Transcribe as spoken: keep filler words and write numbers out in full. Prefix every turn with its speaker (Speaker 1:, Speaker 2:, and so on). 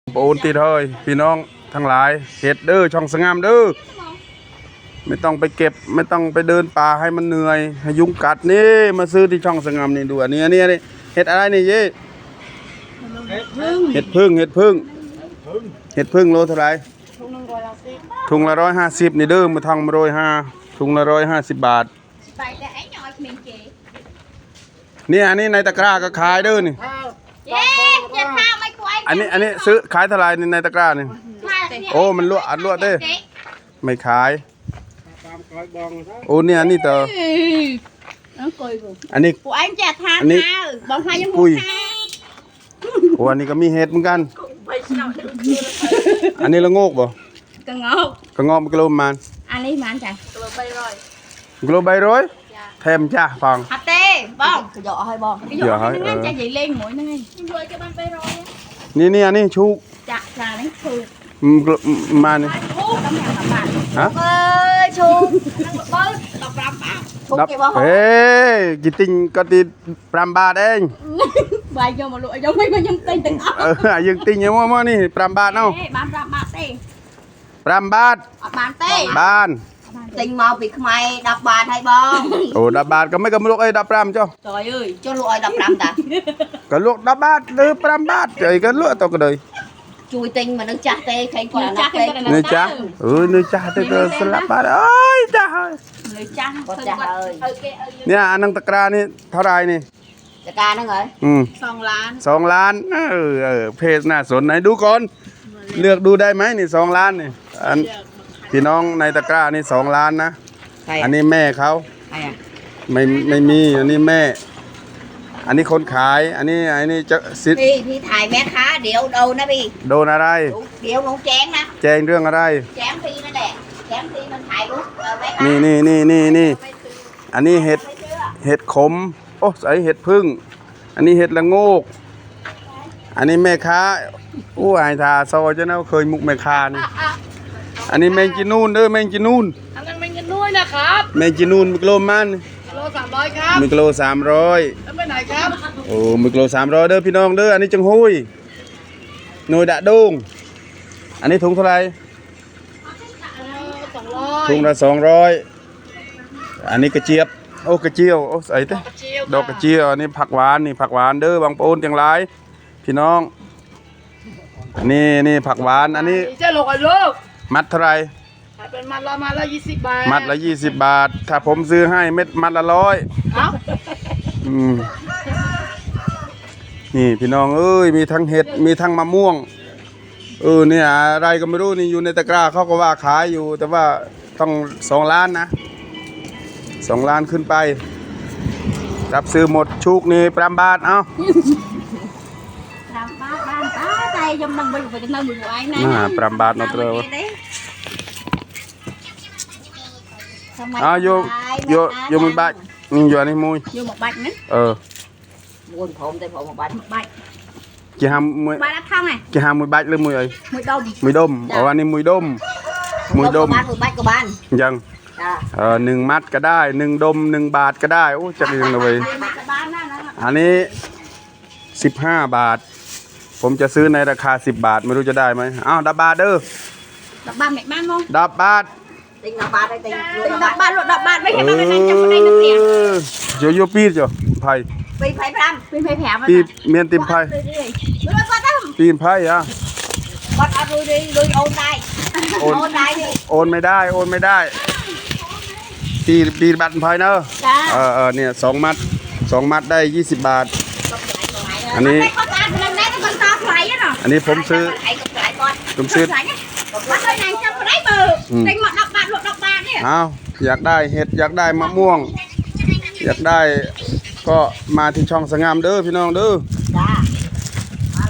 Speaker 1: โอนตีเฮ้ยพี่น้องทั้งหลายเห็ดเด้อช่องสงามเด้อไม่ต้องไปเก็บไม่ต้องไปเดินป่าให้มันเหนื่อยให้ยุงกัดนี่มาซื้อที่ช่องสงามนี่ดูอันนี้อันนี้นี่เห็ดอะไรนี่เย่เห็ดพึ่งเห็ดพึ่งเห็ดพึ่งโลเท่าไหร่ถุงละร้อยห้าสิบนี่เด้อมาทองมาโรยห้าถุงละร้อยห้าสิบบาทนี่อันนี้ในตะกร้าก็ขายเด้อนี่อันนี้อันนี้ซื้อขายเท่าไหร่ในตะกร้านี่โอ้มันลวกอัดลวกเด้ไม่ขายโอ้เนี่ยอันนี้เตออันนี้อันนี้ปุยโอ้อันนี้ก็มีเห็ดเหมือนกันอันนี้ละโงกบ่กระงอกกระงอกมันกิโลมันอันนี้มันจ้ะกิโลใบร้อยกิโลใบร้อยแถมจ้ะฟังฮัตเต้บ้องหยอให้บ้องหยอให้นั่นจะใหญ่เล่งหมดนั่นไงนี่นี่อันนี้ชูจ้ะจ้ะนี่ชูมานี่ฮะเอ้ยชูเบิ้ลดอกปรามบ้าเฮ้ยกี่ติงก็ติดปรามบาทเองใบยังมาลุยยังไม่มายังติงติงเออยังติงยังมั่วนี่ปรามบาทเนาะบ้านปรามบาทเต้ปรามบาทบ้านเต้บ้านติงมาปีกไม้ดับบาทให้บ้องโอ้ดับบาทก็ไม่กับลูกไอ้ดับปรามเจ้าtrời ơi choลูกไอ้ดับปรามtaก็ลูกดับบาทหรือปรามบาทไอ้ก็ลูกตัวก็เลยchui tinh mà nó chặt tê thấy còn là chặt nơi chặt ừ nơi chặt thì cứ slap bát ơi chặt ơi nơi chặt có chặt ơi nè anh đang tắc ra nè tháo đài nè tắc ra nó rồi ừ song lán song lán ừ ừเพจน่าสนไหนดูก่อนเลือกดูได้ไหมนี่สองล้านนี่อันพี่น้องในตะกร้านี่สองล้านนะอันนี้แม่เขาไม่ไม่มีอันนี้แม่อันนี้คนขายอันนี้อันนี้จะสิพี่พี่ถ่ายแม่ค้าเดี๋ยวโดนนะพี่โดนอะไรเดี๋ยวลงแจ้งนะแจ้งเรื่องอะไรแจ้งพี่นั่นแหละแจ้งพี่มันถ่ายรูปแม่ค้านี่นี่นี่นี่นี่อันนี้เห็ดเห็ดขมโอ้ใส่เห็ดพึ่งอันนี้เห็ดละโงกอันนี้แม่ค้าอู้ไอ้ทาซอยเจ้าเนาะเคยมุกแม่ค้านี่อันนี้แมงจีนูนเด้อแมงจีนูนอันนั้นแมงจีนูนนะครับแมงจีนูนมิโลมันโลสามร้อยครับมิโลสามร้อยแล้วไปไหนครับโอ้มิโลสามร้อยเด้อพี่น้องเด้ออันนี้จังหุยหน่วยดะดงอันนี้ถุงเท่าไหร่ถุงละสองร้อยอันนี้กระเจี๊ยบโอ้กระเจียวโอ้ใส่เต้ดอกกระเจียวอันนี้ผักหวานนี่ผักหวานเด้อบางปูนจังไรพี่น้องอันนี้นี่ผักหวานอันนี้เจ้าลูกไอ้ลูกมัดเท่าไรเป็นมัดละมัดละยี่สิบบาทมัดละยี่สิบบาทถ้าผมซื้อให้เม็ดมัดละร้อยอืมนี่พี่น้องเอ้ยมีทั้งเห็ดมีทั้งมะม่วงเออเนี่ยอะไรก็ไม่รู้นี่อยู่ในตะกร้าเขาก็ว่าขายอยู่แต่ว่าต้องสองล้านนะสองล้านขึ้นไปรับซื้อหมดชุกนี่ปรามบาทเอ้าปรามบาทบ้านตาใจยมดังไปอยู่ไปกันนั่งอยู่ไอ้นั่นปรามบาทนอตเตอร์อ่าโยโยโยมันบาดนี่โยนี่มุ้ยโยmột bạch nữa ờ buồn phồng tay phồng một bạch một bạch chị ham mùi bạch thang này chị ham mùi bạch lên mùi ấy mùi đom mùi đomอ๋ออันนี้มùi đomมùi đomมùi bạch của bạnยังเออหนึ่งมัดก็ได้หนึ่งดมหนึ่งบาทก็ได้โอ้จักยังเลยอันนี้สิบห้าบาทผมจะซื้อในราคาสิบบาทไม่รู้จะได้ไหมอ้าวดับบาทเด้อดับบาทไหนบ้างงงดับบาทติงดับบาทได้ติงติงดับบาทหลุดดับบาทไม่เห็นอะไรนั่นจะไม่ได้นึกเสียงโยโย่ปีดจ้ะไผ่ปีไผ่พรำปีไผ่แผลมันปีเมียนติมไผ่ปีนไผ่อะวัดเอาดูดิดูโอนได้โอนได้ดิโอนไม่ได้โอนไม่ได้ปีปีบัตรไผ่เนอะเออเออเนี่ยสองมัดสองมัดได้ยี่สิบบาทอันนี้อันนี้ผมซื้อผมซื้ออ้าวอยากได้เห็ดอยากได้มะม่วงอยากได้ก็มาที่ช่องสงามเด้อพี่น้องเด้อ